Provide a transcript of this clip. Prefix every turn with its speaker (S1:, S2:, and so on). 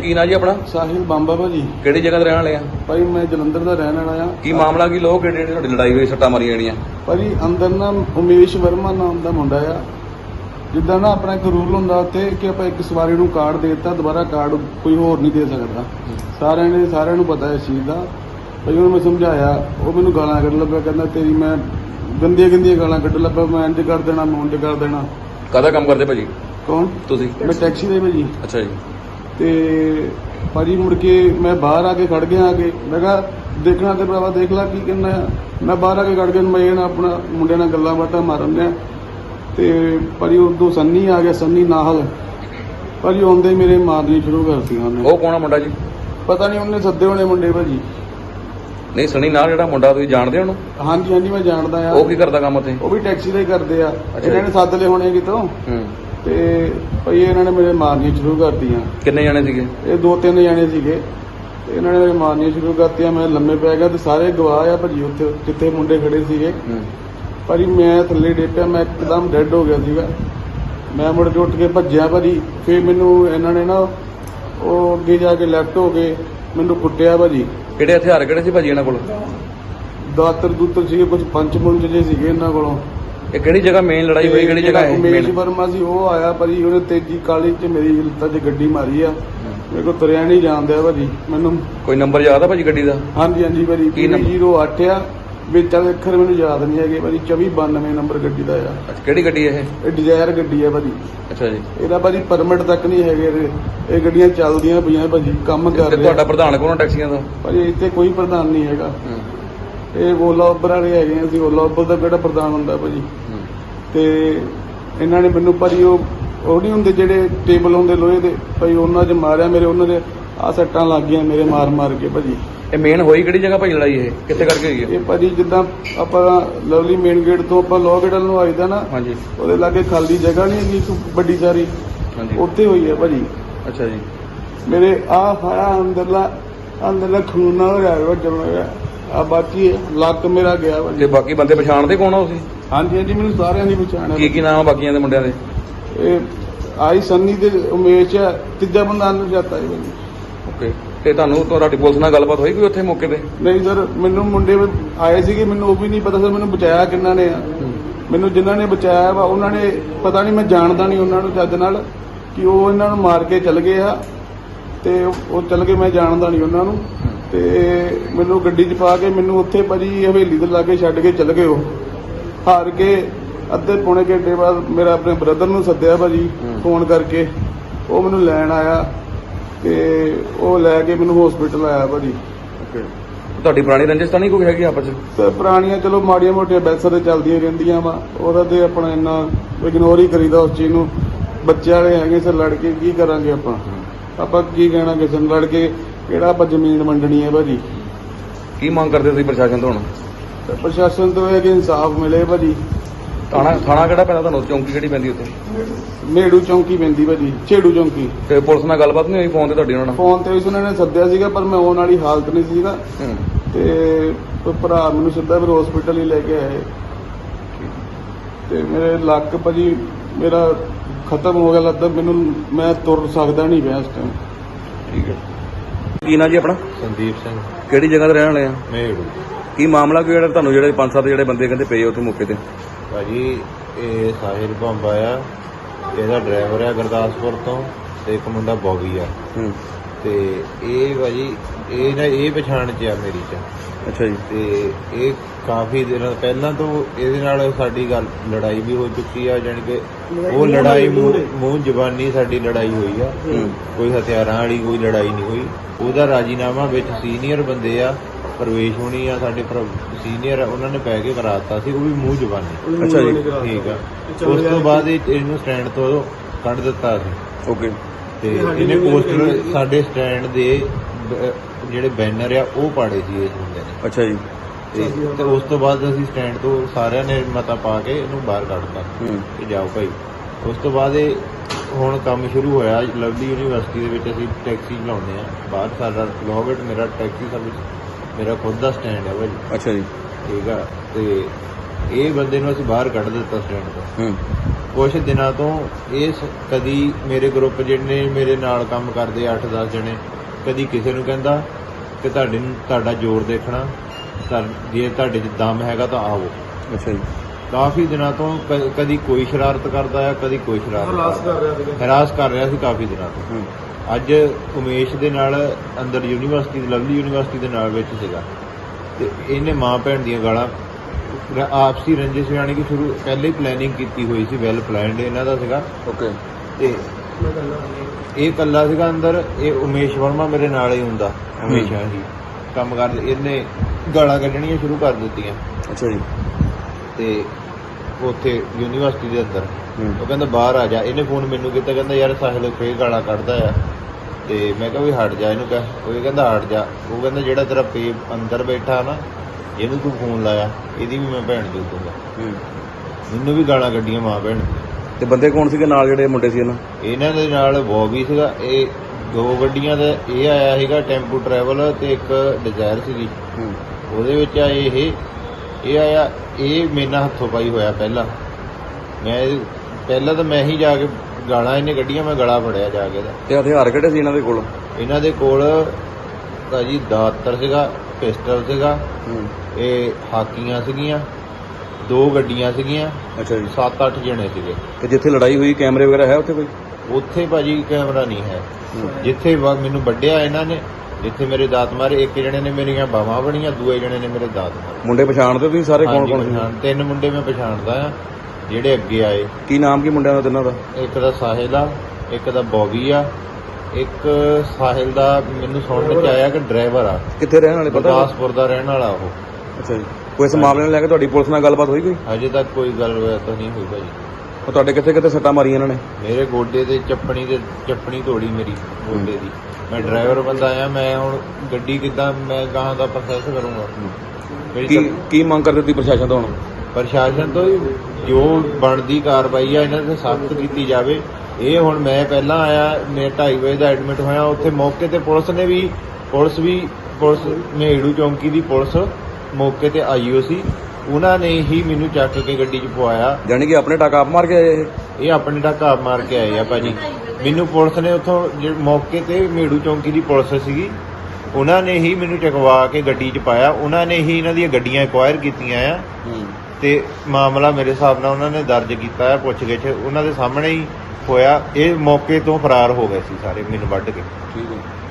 S1: ਕੀ ਨਾਂ ਜੀ ਆਪਣਾ?
S2: ਸਾਹਿਲ ਬੰਬਾ ਭਾਜੀ।
S1: ਕਿਹੜੀ ਜਗ੍ਹਾ ਤੇ ਰਹਿਣ ਵਾਲੇ ਆ?
S2: ਭਾਈ ਮੈਂ ਜਲੰਧਰ ਦਾ ਰਹਿਣ ਵਾਲਾ ਆ।
S1: ਕੀ ਮਾਮਲਾ ਕੀ ਲੋਕ ਕਿਹੜੀ ਤੁਹਾਡੀ ਲੜਾਈ ਹੋਈ ਸੱਟਾਂ ਮਾਰੀਆਂ ਜਿਹੜੀਆਂ?
S2: ਭਾਜੀ ਅੰਦਰ ਨਾ ਉਮੇਸ਼ ਵਰਮਾ ਨਾਮ ਦਾ ਮੁੰਡਾ ਆ। ਜਿੱਦਾਂ ਨਾ ਆਪਣਾ ਇੱਕ ਰੂਲ ਹੁੰਦਾ ਉੱਥੇ ਕਿ ਆਪਾਂ ਇੱਕ ਸਵਾਰੀ ਨੂੰ ਕਾਰਡ ਦੇ ਦਿੱਤਾ, ਦੁਬਾਰਾ ਕਾਰਡ ਕੋਈ ਹੋਰ ਨਹੀਂ ਦੇ ਸਕਦਾ। ਸਾਰਿਆਂ ਨੂੰ ਪਤਾ ਇਸ ਚੀਜ਼ ਦਾ। ਭਾਈ ਉਹਨੂੰ ਮੈਂ ਸਮਝਾਇਆ, ਉਹ ਮੈਨੂੰ ਗਾਲਾਂ ਕੱਢ ਲੱਗਾ, ਕਹਿੰਦਾ ਤੇਰੀ ਮੈਂ ਗੰਦੀਆਂ ਗਾਲਾਂ ਕੱਢ ਲੱਗਾ, ਮੈਂ ਇੰਜ ਕਰ ਦੇਣਾ, ਮੈਂ ਉਂਝ ਕਰ ਦੇਣਾ।
S1: ਕਾਹਦਾ ਕੰਮ ਕਰਦੇ ਭਾਜੀ?
S2: ਕੌਣ?
S1: ਤੁਸੀਂ?
S2: ਮੈਂ ਟੈਕਸੀ ਦੇ ਭਾਜੀ।
S1: ਅੱਛਾ ਜੀ।
S2: ਤੇ ਭਾਜੀ ਮੁੜ ਕੇ ਮੈਂ ਬਾਹਰ ਆ ਕੇ ਖੜ ਗਿਆ। ਮੈਂ ਕਿਹਾ ਦੇਖਣਾ ਤੇ ਭਰਾਵਾ ਦੇਖ ਲੈ ਕੀ ਕਹਿੰਦਾ ਆ। ਮੈਂ ਬਾਹਰ ਆ ਕੇ ਖੜ ਗਿਆ, ਮੈਂ ਨਾ ਆਪਣਾ ਮੁੰਡੇ ਨਾਲ ਗੱਲਾਂ ਬਾਤਾਂ ਮਾਰਨ ਡਿਆ ਤੇ ਭਾਜੀ ਉਦੋਂ ਸੰਨੀ ਆ ਗਿਆ, ਸੰਨੀ ਨਾਹਲ। ਭਾਜੀ ਆਉਂਦੇ ਹੀ ਮੇਰੇ ਮਾਰਨੀ ਸ਼ੁਰੂ ਕਰਤੀਆਂ ਉਹਨੇ।
S1: ਉਹ ਕੌਣ ਆ ਮੁੰਡਾ ਜੀ?
S2: ਪਤਾ ਨਹੀਂ, ਉਹਨੇ ਸੱਦੇ ਹੋਣੇ ਮੁੰਡੇ ਭਾਜੀ।
S1: ਨਹੀਂ ਸਣੀ ਨਾਲ ਜਿਹੜਾ ਮੁੰਡਾ ਤੁਸੀਂ ਜਾਣਦੇ ਹੋ ਉਹਨੂੰ?
S2: ਹਾਂਜੀ ਮੈਂ ਜਾਣਦਾ ਆ।
S1: ਉਹ ਕੀ ਕਰਦਾ ਕੰਮ ਉੱਥੇ?
S2: ਉਹ ਵੀ ਟੈਕਸੀ ਦਾ ਹੀ ਕਰਦੇ ਆ।
S1: ਅੱਛਾ
S2: ਇਹਨਾਂ ਨੇ ਸੱਦ ਲਏ ਹੋਣੇ ਕਿਤੋਂ ਤੇ ਭਾਈ ਇਹਨਾਂ ਨੇ ਮੇਰੇ ਮਾਰਨੀਆਂ ਸ਼ੁਰੂ ਕਰਤੀਆਂ।
S1: ਕਿੰਨੇ ਜਾਣੇ ਸੀਗੇ?
S2: ਇਹ 2-3 ਜਣੇ ਸੀਗੇ ਤੇ ਇਹਨਾਂ ਨੇ ਮੇਰੇ ਮਾਰਨੀਆਂ ਸ਼ੁਰੂ ਕਰਤੀਆਂ। ਮੈਂ ਲੰਮੇ ਪੈ ਗਿਆ ਤੇ ਸਾਰੇ ਗਵਾਹ ਆ ਭਾਜੀ ਉੱਥੇ ਜਿੱਥੇ ਮੁੰਡੇ ਖੜੇ ਸੀਗੇ। ਭਾਜੀ ਮੈਂ ਥੱਲੇ ਡੇਪਿਆ, ਮੈਂ ਇੱਕਦਮ ਡੈੱਡ ਹੋ ਗਿਆ ਸੀਗਾ। ਮੈਂ ਮੁੜ ਕੇ ਉੱਠ ਕੇ ਭੱਜਿਆ ਭਾਜੀ। ਫਿਰ ਮੈਨੂੰ ਇਹਨਾਂ ਨੇ ਨਾ ਉਹ ਅੱਗੇ ਜਾ ਕੇ ਲੈਫਟ ਹੋ ਕੇ ਮੈਨੂੰ ਕੁੱਟਿਆ ਭਾਜੀ।
S1: ਕਿਹੜੇ ਹਥਿਆਰ ਕਿਹੜੇ ਸੀ ਭਾਜੀ ਇਹਨਾਂ ਕੋਲ?
S2: ਦਾਤਰ ਦੂਤਰ ਸੀਗੇ, ਕੁਝ ਪੰਚ ਮੁੰਚ ਜੇ ਸੀਗੇ ਇਹਨਾਂ ਕੋਲੋਂ।
S1: ਇਹ ਕਿਹੜੀ ਜਗ੍ਹਾ ਮੇਨ ਲੜਾਈ ਹੋਈ? ਕਿਹੜੀ ਜਗ੍ਹਾ ਹੈ?
S2: ਉਮੇਸ਼ ਵਰਮਾ ਸੀ, ਉਹ ਆਇਆ ਭਾਜੀ। ਉਹਨੇ ਤੇਜੀ ਕਾਲੀ ਚ ਮੇਰੀ ਲੱਤਾਂ 'ਚ ਗੱਡੀ ਮਾਰੀ ਆ। ਮੇਰੇ ਕੋਲ ਤੁਰਿਆ ਨਹੀਂ ਜਾਂਦਿਆ ਭਾਜੀ। ਮੈਨੂੰ
S1: ਕੋਈ ਨੰਬਰ ਯਾਦ ਆ ਭਾਜੀ ਗੱਡੀ ਦਾ?
S2: ਹਾਂਜੀ ਭਾਜੀ।
S1: ਕੀ ਨੰਬਰ?
S2: 08 ਆ ਵਿੱਚ ਵਾਲੇ ਅੱਖਰ ਮੈਨੂੰ ਯਾਦ ਨਹੀਂ ਹੈਗੇ ਭਾਜੀ। 2492 ਨੰਬਰ ਗੱਡੀ ਦਾ ਆ।
S1: ਅੱਛਾ ਕਿਹੜੀ ਗੱਡੀ ਹੈ
S2: ਇਹ ਡਿਜ਼ਾਇਰ ਗੱਡੀ ਆ ਭਾਜੀ।
S1: ਅੱਛਾ ਜੀ।
S2: ਇਹਦਾ ਭਾਜੀ ਪਰਮਿਟ ਤੱਕ ਨਹੀਂ ਹੈਗੇ। ਇਹ ਗੱਡੀਆਂ ਚੱਲਦੀਆਂ ਪਈਆਂ ਭਾਜੀ, ਕੰਮ ਕਰ
S1: ਤੇ
S2: ਰਹੇ।
S1: ਤੁਹਾਡਾ ਪ੍ਰਧਾਨ ਕੌਣ ਆ ਟੈਕਸੀਆਂ ਦਾ?
S2: ਭਾਜੀ ਇੱਥੇ ਕੋਈ ਪ੍ਰਧਾਨ ਨਹੀਂ ਹੈਗਾ। ਇਹ ਓਲਾ ਉਬਰ ਵਾਲੇ ਹੈਗੇ ਆ। ਅਸੀਂ ਓਲਾ ਉਬਰ ਦਾ ਕਿਹੜਾ ਪ੍ਰਧਾਨ ਹੁੰਦਾ ਭਾਜੀ? ਤੇ ਇਹਨਾਂ ਨੇ ਮੈਨੂੰ ਭਾਜੀ ਉਹ ਨਹੀਂ ਹੁੰਦੇ ਜਿਹੜੇ ਟੇਬਲ ਹੁੰਦੇ ਲੋਹੇ ਦੇ, ਭਾਈ ਉਹਨਾਂ 'ਚ ਮਾਰਿਆ। ਮੇਰੇ ਉਹਨਾਂ ਦੇ ਆਹ ਸੱਟਾਂ ਲੱਗ ਗਈਆਂ ਮੇਰੇ ਮਾਰ ਕੇ ਭਾਜੀ।
S1: ਇਹ ਮੇਨ ਹੋਈ ਕਿਹੜੀ ਜਗ੍ਹਾ ਭਾਈ ਲੜਾਈ? ਇਹ ਕਿੱਥੇ ਕਰਕੇ ਹੋਈ ਹੈ?
S2: ਇਹ ਭਾਜੀ ਜਿੱਦਾਂ ਆਪਾਂ ਲਵਲੀ ਮੇਨ ਗੇਟ ਤੋਂ ਆਪਾਂ ਲੋਅ ਗੇਟ ਨੂੰ ਆਈਦਾ ਨਾ,
S1: ਹਾਂਜੀ,
S2: ਉਹਦੇ ਲਾਗੇ ਖਾਲੀ ਜਗ੍ਹਾ ਨਹੀਂ ਹੈਗੀ ਵੱਡੀ ਸਾਰੀ,
S1: ਹਾਂਜੀ,
S2: ਉੱਥੇ ਹੋਈ ਹੈ ਭਾਜੀ।
S1: ਅੱਛਾ ਜੀ।
S2: ਮੇਰੇ ਆਇਆ ਅੰਦਰਲਾ ਖੂਨ ਨਾ ਹੋ ਰਿਹਾ ਚੱਲਣਾ ਆ। ਬਾਕੀ ਲੱਕ ਮੇਰਾ ਗਿਆ ਭਾਜੀ।
S1: ਤੇ ਬਾਕੀ ਬੰਦੇ ਪਛਾਣਦੇ ਕੌਣ ਆ ਤੁਸੀਂ?
S2: ਹਾਂਜੀ ਮੈਨੂੰ ਸਾਰਿਆਂ ਦੀ ਪਛਾਣ ਹੈ।
S1: ਕੀ ਨਾਮ ਆ ਬਾਕੀਆਂ ਦੇ ਮੁੰਡਿਆਂ ਦੇ?
S2: ਇਹ ਆਈ ਸੰਨੀ ਤੇ ਉਮੇਸ਼ ਹੈ। ਤੀਜਾ ਬੰਦਾ ਅੰਦਰ ਜਾਂਦਾ ਹੈ ਭਾਜੀ।
S1: ਓਕੇ। ਤੇ ਤੁਹਾਨੂੰ ਤੁਹਾਡੀ ਪੁਲਿਸ ਨਾਲ ਗੱਲਬਾਤ ਹੋਈ ਕੋਈ ਉੱਥੇ ਮੌਕੇ ਤੇ?
S2: ਨਹੀਂ ਸਰ, ਮੈਨੂੰ ਮੁੰਡੇ ਆਏ ਸੀਗੇ, ਮੈਨੂੰ ਉਹ ਵੀ ਨਹੀਂ ਪਤਾ ਸਰ ਮੈਨੂੰ ਬਚਾਇਆ ਕਿੰਨਾ ਨੇ ਆ। ਮੈਨੂੰ ਜਿਨ੍ਹਾਂ ਨੇ ਬਚਾਇਆ ਵਾ ਉਹਨਾਂ ਨੇ ਪਤਾ ਨਹੀਂ, ਮੈਂ ਜਾਣਦਾ ਨਹੀਂ ਉਹਨਾਂ ਨੂੰ ਚੱਜ ਨਾਲ, ਕਿ ਉਹ ਇਹਨਾਂ ਨੂੰ ਮਾਰ ਕੇ ਚਲ ਗਏ ਆ ਤੇ ਉਹ ਚਲ ਗਏ। ਮੈਂ ਜਾਣਦਾ ਨਹੀਂ ਉਹਨਾਂ ਨੂੰ। ਤੇ ਮੈਨੂੰ ਗੱਡੀ 'ਚ ਪਾ ਕੇ ਮੈਨੂੰ ਉੱਥੇ ਭਾਜੀ ਹਵੇਲੀ ਦੇ ਲਾਗੇ ਛੱਡ ਕੇ ਚਲ ਗਏ। ਉਹ ਹਾਰ ਕੇ ਅੱਧੇ ਪੌਣੇ ਘੰਟੇ ਬਾਅਦ ਮੇਰਾ ਆਪਣੇ ਬ੍ਰਦਰ ਨੂੰ ਸੱਦਿਆ ਭਾਜੀ ਫੋਨ ਕਰਕੇ। ਉਹ ਮੈਨੂੰ ਲੈਣ ਆਇਆ ਤੇ ਉਹ ਲੈ ਕੇ ਮੈਨੂੰ ਹਸਪੀਟਲ ਆਇਆ ਭਾਜੀ।
S1: ਓਕੇ। ਤੁਹਾਡੀ ਪੁਰਾਣੀ ਰੰਜਿਸ਼ ਤਾਂ ਨਹੀਂ ਕੋਈ ਹੈਗੀ ਆਪਸ 'ਚ?
S2: ਤੇ ਪੁਰਾਣੀਆਂ ਚਲੋ ਮਾੜੀਆਂ ਮੋਟੀਆਂ ਬੈਂਸਾਂ ਤੇ ਚੱਲਦੀਆਂ ਰਹਿੰਦੀਆਂ ਵਾ, ਉਹਦਾ ਤੇ ਆਪਣਾ ਇੰਨਾ ਇਗਨੋਰ ਹੀ ਕਰੀਦਾ ਉਸ ਚੀਜ਼ ਨੂੰ। ਬੱਚੇ ਵਾਲੇ ਹੈਗੇ ਸਰ, ਲੜ ਕੇ ਕੀ ਕਰਾਂਗੇ ਆਪਾਂ ਕੀ ਕਹਿਣਾ ਕਿਸੇ ਨੂੰ? ਲੜ ਕੇ ਕਿਹੜਾ ਆਪਾਂ ਜ਼ਮੀਨ ਵੰਡਣੀ ਹੈ ਭਾਜੀ?
S1: ਕੀ ਮੰਗ ਕਰਦੇ ਤੁਸੀਂ ਪ੍ਰਸ਼ਾਸਨ ਤੋਂ ਹੁਣ?
S2: ਪ੍ਰਸ਼ਾਸਨ ਤੋਂ ਇਹ ਕਿ ਇਨਸਾਫ ਮਿਲੇ ਭਾਜੀ।
S1: ਥਾਣਾ ਕਿਹੜਾ ਪੈਂਦਾ ਤੁਹਾਨੂੰ? ਚੌਂਕੀ ਕਿਹੜੀ ਪੈਂਦੀ ਉੱਥੇ?
S2: ਮੇੜੂ ਚੌਂਕੀ ਪੈਂਦੀ ਭਾਜੀ, ਛੇੜੂ ਚੌਂਕੀ।
S1: ਤੇ ਪੁਲਿਸ ਨਾਲ ਗੱਲਬਾਤ ਨਹੀਂ ਹੋਈ ਫੋਨ ਤੇ ਤੁਹਾਡੀ ਉਹਨਾਂ ਨਾਲ?
S2: ਫੋਨ ਤੇ ਉਹਨਾਂ ਨੇ ਸੱਦਿਆ ਸੀਗਾ ਪਰ ਮੈਂ ਆਉਣ ਵਾਲੀ ਹਾਲਤ ਨਹੀਂ ਸੀਗਾ। ਤੇ ਭਰਾ ਮੈਨੂੰ ਸਿੱਧਾ ਫਿਰ ਹਸਪੀਟਲ ਹੀ ਲੈ ਕੇ ਆਏ। ਤੇ ਮੇਰੇ ਲੱਕ ਭਾਜੀ ਮੇਰਾ ਖਤਮ ਹੋ ਗਿਆ ਲੱਗਦਾ ਮੈਨੂੰ। ਮੈਂ ਤੁਰ ਸਕਦਾ ਨਹੀਂ ਪਿਆ ਇਸ ਟਾਈਮ।
S1: ਠੀਕ ਹੈ। ਕੀ ਨਾਂ ਜੀ ਆਪਣਾ?
S3: ਸੰਦੀਪ ਸਿੰਘ।
S1: ਕਿਹੜੀ ਜਗ੍ਹਾ ਤੇ ਰਹਿਣ ਵਾਲੇ ਆ?
S3: ਮੇੜੂ।
S1: ਕੀ ਮਾਮਲਾ ਕੀ ਜਿਹੜਾ ਤੁਹਾਨੂੰ ਜਿਹੜੇ 5-7 ਜਿਹੜੇ ਬੰਦੇ ਕਹਿੰਦੇ ਪਏ ਉੱਥੇ ਮੌਕੇ ਤੇ?
S3: ਭਾਜੀ ਇਹ ਸਾਹਿਲ ਭੰਬਾ ਆ, ਇਹਦਾ ਡਰਾਈਵਰ ਆ ਗੁਰਦਾਸਪੁਰ ਤੋਂ, ਤੇ ਇੱਕ ਮੁੰਡਾ ਬੋਗੀ ਆ। ਤੇ ਇਹ ਭਾਜੀ ਇਹ ਪਛਾਣ ਚ ਆ ਮੇਰੀ ਚ।
S1: ਅੱਛਾ ਜੀ।
S3: ਤੇ ਇਹ ਕਾਫੀ ਦਿਨਾਂ ਪਹਿਲਾਂ ਤੋਂ ਇਹਦੇ ਨਾਲ ਸਾਡੀ ਲੜਾਈ ਵੀ ਹੋ ਚੁੱਕੀ ਆ। ਜਾਣੀ ਕਿ ਉਹ ਲੜਾਈ ਮੂੰਹ ਜ਼ਬਾਨੀ ਸਾਡੀ ਲੜਾਈ ਹੋਈ ਆ। ਕੋਈ ਹਥਿਆਰਾਂ ਵਾਲੀ ਕੋਈ ਲੜਾਈ ਨਹੀਂ ਹੋਈ। ਉਹਦਾ ਰਾਜੀਨਾਮਾ ਵਿੱਚ ਸੀਨੀਅਰ ਬੰਦੇ ਆ, ਪ੍ਰਵੇਸ਼ ਹੋਣੀ ਆ ਸਾਡੇ ਸੀਨੀਅਰ, ਉਹਨਾਂ ਨੇ ਪੈ ਕੇ ਕਰਾਤਾ ਸੀ, ਉਹ ਵੀ ਮੂੰਹ ਜ਼ਬਾਨੀ।
S1: ਅੱਛਾ ਜੀ।
S3: ਠੀਕ ਆ। ਉਸ ਤੋਂ ਬਾਅਦ ਇਹਨੂੰ ਸਟੈਂਡ ਤੋਂ ਕੱਢ ਦਿੱਤਾ ਸੀ।
S1: ਓਕੇ।
S3: ਤੇ ਇਹਨੇ ਪੋਸਟਰ ਸਾਡੇ ਸਟੈਂਡ ਦੇ ਜਿਹੜੇ ਬੈਨਰ ਆ ਉਹ ਪਾੜੇ ਸੀ ਇਸ ਬੰਦੇ ਨੇ।
S1: ਅੱਛਾ ਜੀ।
S3: ਤੇ ਉਸ ਤੋਂ ਬਾਅਦ ਅਸੀਂ ਸਟੈਂਡ ਤੋਂ ਸਾਰਿਆਂ ਨੇ ਮਤਾ ਪਾ ਕੇ ਇਹਨੂੰ ਬਾਹਰ ਕੱਢਤਾ ਕਿ ਜਾਓ ਭਾਈ। ਉਸ ਤੋਂ ਬਾਅਦ ਇਹ ਹੁਣ ਕੰਮ ਸ਼ੁਰੂ ਹੋਇਆ ਲਵਲੀ ਯੂਨੀਵਰਸਿਟੀ ਦੇ ਵਿੱਚ। ਅਸੀਂ ਟੈਕਸੀ ਚਲਾਉਂਦੇ ਆ ਬਾਹਰ। ਸਾਡਾ ਲੋਗਟ ਮੇਰਾ ਟੈਕਸੀ ਸਰਵਿਸ ਮੇਰਾ ਖੁਦ ਦਾ ਸਟੈਂਡ ਹੈ ਭਾਜੀ।
S1: ਅੱਛਾ ਜੀ।
S3: ਠੀਕ ਆ। ਤੇ ਇਹ ਬੰਦੇ ਨੂੰ ਅਸੀਂ ਬਾਹਰ ਕੱਢ ਦਿੱਤਾ ਸਟੈਂਡ ਤੋਂ। ਕੁਛ ਦਿਨਾਂ ਤੋਂ ਕਦੀ ਮੇਰੇ ਗਰੁੱਪ ਜਿਹੜੇ ਮੇਰੇ ਨਾਲ ਕੰਮ ਕਰਦੇ 8-10 ਜਣੇ, ਕਦੀ ਕਿਸੇ ਨੂੰ ਕਹਿੰਦਾ ਕਿ ਤੁਹਾਡਾ ਜ਼ੋਰ ਦੇਖਣਾ, ਜੇ ਤੁਹਾਡੇ 'ਚ ਦਮ ਹੈਗਾ ਤਾਂ ਆਵੋ।
S1: ਅੱਛਾ ਜੀ।
S3: ਕਾਫੀ ਦਿਨਾਂ ਤੋਂ ਕਦੀ ਕੋਈ ਸ਼ਰਾਰਤ ਕਰਦਾ ਆ, ਕਦੀ ਕੋਈ ਸ਼ਰਾਰਤ ਹਰਾਸ ਕਰ ਰਿਹਾ ਸੀ ਕਾਫੀ ਦਿਨਾਂ ਤੋਂ। ਅੱਜ ਉਮੇਸ਼ ਦੇ ਨਾਲ ਅੰਦਰ ਯੂਨੀਵਰਸਿਟੀ, ਲਵਲੀ ਯੂਨੀਵਰਸਿਟੀ ਦੇ ਨਾਲ ਵਿੱਚ ਸੀਗਾ, ਤੇ ਇਹਨੇ ਮਾਂ ਭੈਣ ਦੀਆਂ ਗਾਲਾਂ, ਆਪਸੀ ਰੰਜਿਸ਼ ਯਾਨੀ ਕਿ ਸ਼ੁਰੂ ਪਹਿਲੇ ਹੀ ਪਲੈਨਿੰਗ ਕੀਤੀ ਹੋਈ ਸੀ, ਵੈਲ ਪਲਾਨਡ ਇਹਨਾਂ ਦਾ ਸੀਗਾ।
S1: ਓਕੇ।
S3: ਤੇ ਇਹ ਇਕੱਲਾ ਸੀਗਾ ਅੰਦਰ, ਇਹ ਉਮੇਸ਼ ਵਰਮਾ ਮੇਰੇ ਨਾਲ ਹੀ ਹੁੰਦਾ, ਹਮੇਸ਼ਾ ਹੀ ਕੰਮ ਕਰਦੇ। ਇਹਨੇ ਗਾਲਾਂ ਕੱਢਣੀਆਂ ਸ਼ੁਰੂ ਕਰ ਦਿੱਤੀਆਂ।
S1: ਅੱਛਾ ਜੀ।
S3: ਤੇ ਉੱਥੇ ਯੂਨੀਵਰਸਿਟੀ ਦੇ ਅੰਦਰ ਉਹ ਕਹਿੰਦਾ ਬਾਹਰ ਆ ਜਾ। ਇਹਨੇ ਫੋਨ ਮੈਨੂੰ ਕੀਤਾ, ਕਹਿੰਦਾ ਯਾਰ ਸਾਹਿਲ ਫੇਰ ਗਾਲਾਂ ਕੱਢਦਾ ਆ। ਤੇ ਮੈਂ ਕਿਹਾ ਵੀ ਹਟ ਜਾ ਇਹਨੂੰ ਕਹਿ। ਉਹ ਕਹਿੰਦਾ ਹਟ ਜਾ। ਉਹ ਕਹਿੰਦਾ ਜਿਹੜਾ ਤੇਰਾ ਪੇ ਅੰਦਰ ਬੈਠਾ ਨਾ, ਇਹਨੂੰ ਤੂੰ ਫੋਨ ਲਾਇਆ, ਇਹਦੀ ਵੀ ਮੈਂ ਭੈਣ ਦੇ ਦੂੰਗਾ। ਮੈਨੂੰ ਵੀ ਗਾਲਾਂ ਕੱਢੀਆਂ ਮਾਂ ਭੈਣ।
S1: ਤੇ ਬੰਦੇ ਕੌਣ ਸੀਗੇ ਨਾਲ ਜਿਹੜੇ ਮੁੰਡੇ ਸੀ
S3: ਇਹਨਾਂ ਦੇ ਨਾਲ ਬੌਬੀ ਸੀਗਾ। ਇਹ 2 ਗੱਡੀਆਂ ਦਾ ਇਹ ਆਇਆ ਸੀਗਾ, ਟੈਂਪੂ ਟਰੈਵਲ ਤੇ ਇੱਕ ਡਿਜ਼ਾਇਰ ਸੀਗੀ। ਉਹਦੇ ਵਿੱਚ ਆਏ ਇਹ ਆਇਆ। ਇਹ ਮੇਰੇ ਨਾਲ ਹੱਥੋਂ ਪਾਈ ਹੋਇਆ ਪਹਿਲਾਂ ਤਾਂ ਮੈਂ ਹੀ ਜਾ ਕੇ ਗਾਲਾਂ ਇਹਨੇ ਕੱਢੀਆਂ, ਮੈਂ ਗਲਾ ਫੜਿਆ ਜਾ ਕੇ।
S1: ਤੇ ਹਥਿਆਰ ਕਿਹੜੇ ਸੀ ਇਹਨਾਂ ਦੇ ਕੋਲ?
S3: ਇਹਨਾਂ ਦੇ ਕੋਲ ਭਾਜੀ ਦਾਤਰ ਸੀਗਾ, ਪਿਸਟਲ ਸੀਗਾ, ਇਹ ਹਾਕੀਆਂ ਸੀਗੀਆਂ, 2 ਗੱਡੀਆਂ ਸੀਗੀਆਂ।
S1: ਅੱਛਾ ਜੀ।
S3: 7-8 ਜਣੇ ਸੀਗੇ।
S1: ਤੇ ਜਿੱਥੇ ਲੜਾਈ ਹੋਈ ਕੈਮਰੇ ਵਗੈਰਾ ਹੈ ਉੱਥੇ ਕੋਈ?
S3: ਉੱਥੇ ਭਾਜੀ ਕੈਮਰਾ ਨਹੀਂ ਹੈ। ਜਿੱਥੇ ਮੈਨੂੰ ਵੱਢਿਆ ਇਹਨਾਂ ਨੇ, ਜਿੱਥੇ ਮੇਰੇ ਦਾਤ ਮਾਰੇ, ਇੱਕ ਜਣੇ ਨੇ ਮੇਰੀਆਂ ਬਾਹਾਂ ਬਣੀਆਂ, ਦੂਏ ਜਣੇ ਨੇ ਮੇਰੇ ਦਾਤ ਮਾਰੇ।
S1: ਮੁੰਡੇ ਪਛਾਣਦੇ ਤੁਸੀਂ ਸਾਰੇ ਕੌਣ ਕੌਣ ਸੀ?
S3: 3 ਮੁੰਡੇ ਮੈਂ ਪਛਾਣਦਾ ਆ ਜਿਹੜੇ ਅੱਗੇ ਆਏ।
S1: ਕੀ ਨਾਮ ਕੀ ਮੁੰਡਿਆਂ ਦਾ ਤਿੰਨਾਂ ਦਾ?
S3: ਇੱਕ ਦਾ ਸਾਹਿਲ ਆ, ਇੱਕ ਦਾ ਬੌਬੀ ਆ, ਇੱਕ ਸਾਹਿਲ ਦਾ ਮੈਨੂੰ ਸੁਣਨ ਚ ਆਇਆ ਕਿ ਡਰਾਈਵਰ ਆ।
S1: ਕਿੱਥੇ ਰਹਿਣ ਵਾਲੇ ਪਤਾ?
S3: ਗੁਰਦਾਸਪੁਰ ਦਾ ਰਹਿਣ ਵਾਲਾ ਉਹ।
S1: ਅੱਛਾ ਜੀ। ਕੋਈ ਇਸ ਮਾਮਲੇ ਨੂੰ ਲੈ ਕੇ ਤੁਹਾਡੀ ਪੁਲਿਸ ਨਾਲ ਗੱਲਬਾਤ ਹੋਈ ਕੋਈ?
S3: ਅਜੇ ਤੱਕ ਕੋਈ ਗੱਲਬਾਤ ਤਾਂ ਨਹੀਂ ਹੋਈ ਭਾਜੀ।
S1: ਉਹ ਤੁਹਾਡੇ ਕਿੱਥੇ ਕਿੱਥੇ ਸੱਟਾਂ ਮਾਰੀਆਂ ਇਹਨਾਂ ਨੇ?
S3: ਮੇਰੇ ਗੋਡੇ ਤੇ ਚੱਪਣੀ ਤੋੜੀ ਮੇਰੀ ਗੋਡੇ ਦੀ। ਮੈਂ ਡਰਾਈਵਰ ਬੰਦਾ ਆ, ਮੈਂ ਹੁਣ ਗੱਡੀ ਕਿੱਦਾਂ ਮੈਂ ਗਾਹਾਂ ਦਾ ਪ੍ਰੋਸੈਸ ਕਰੂੰਗਾ।
S1: ਕੀ ਮੰਗ ਕਰਦੇ ਤੁਸੀਂ ਪ੍ਰਸ਼ਾਸਨ ਤੋਂ? ਹੁਣ
S3: ਪ੍ਰਸ਼ਾਸਨ ਤੋਂ ਜੋ ਬਣਦੀ ਕਾਰਵਾਈ ਆ ਇਹਨਾਂ ਤੇ ਸਖਤ ਕੀਤੀ ਜਾਵੇ। ਇਹ ਹੁਣ ਮੈਂ ਪਹਿਲਾਂ ਆਇਆ, ਮੈਂ 2:30 ਵਜੇ ਦਾ ਐਡਮਿਟ ਹੋਇਆ। ਉੱਥੇ ਮੌਕੇ ਤੇ ਪੁਲਿਸ ਮੇੜੂ ਚੌਂਕੀ ਦੀ ਪੁਲਿਸ ਮੌਕੇ ਤੇ ਆਈ ਹੋ ਸੀ। ਉਹਨਾਂ ਨੇ ਹੀ ਮੈਨੂੰ ਚੱਕ ਕੇ ਗੱਡੀ 'ਚ ਪਵਾਇਆ।
S1: ਜਾਣੀ ਕਿ ਆਪਣੇ ਟਾਕਾ ਆਪ ਮਾਰ ਕੇ ਆਏ?
S3: ਇਹ ਆਪਣੇ ਟਾਕਾ ਆਪ ਮਾਰ ਕੇ ਆਏ ਆ ਭਾਜੀ। ਮੈਨੂੰ ਪੁਲਿਸ ਨੇ ਉੱਥੋਂ ਮੌਕੇ ਤੇ ਮੇੜੂ ਚੌਂਕੀ ਦੀ ਪੁਲਿਸ ਸੀਗੀ, ਉਹਨਾਂ ਨੇ ਹੀ ਮੈਨੂੰ ਚਕਵਾ ਕੇ ਗੱਡੀ 'ਚ ਪਾਇਆ। ਉਹਨਾਂ ਨੇ ਹੀ ਇਹਨਾਂ ਦੀਆਂ ਗੱਡੀਆਂ ਐਕਵਾਇਰ ਕੀਤੀਆਂ ਆ। ਤੇ ਮਾਮਲਾ ਮੇਰੇ ਹਿਸਾਬ ਨਾਲ ਉਹਨਾਂ ਨੇ ਦਰਜ ਕੀਤਾ ਹੈ, ਪੁੱਛਗਿੱਛ ਉਹਨਾਂ ਦੇ ਸਾਹਮਣੇ ਹੀ ਹੋਇਆ। ਇਹ ਮੌਕੇ ਤੋਂ ਫਰਾਰ ਹੋ ਗਏ ਸੀ ਸਾਰੇ, ਮੈਨੂੰ ਵੱਢ ਕੇ।
S1: ਠੀਕ ਹੈ।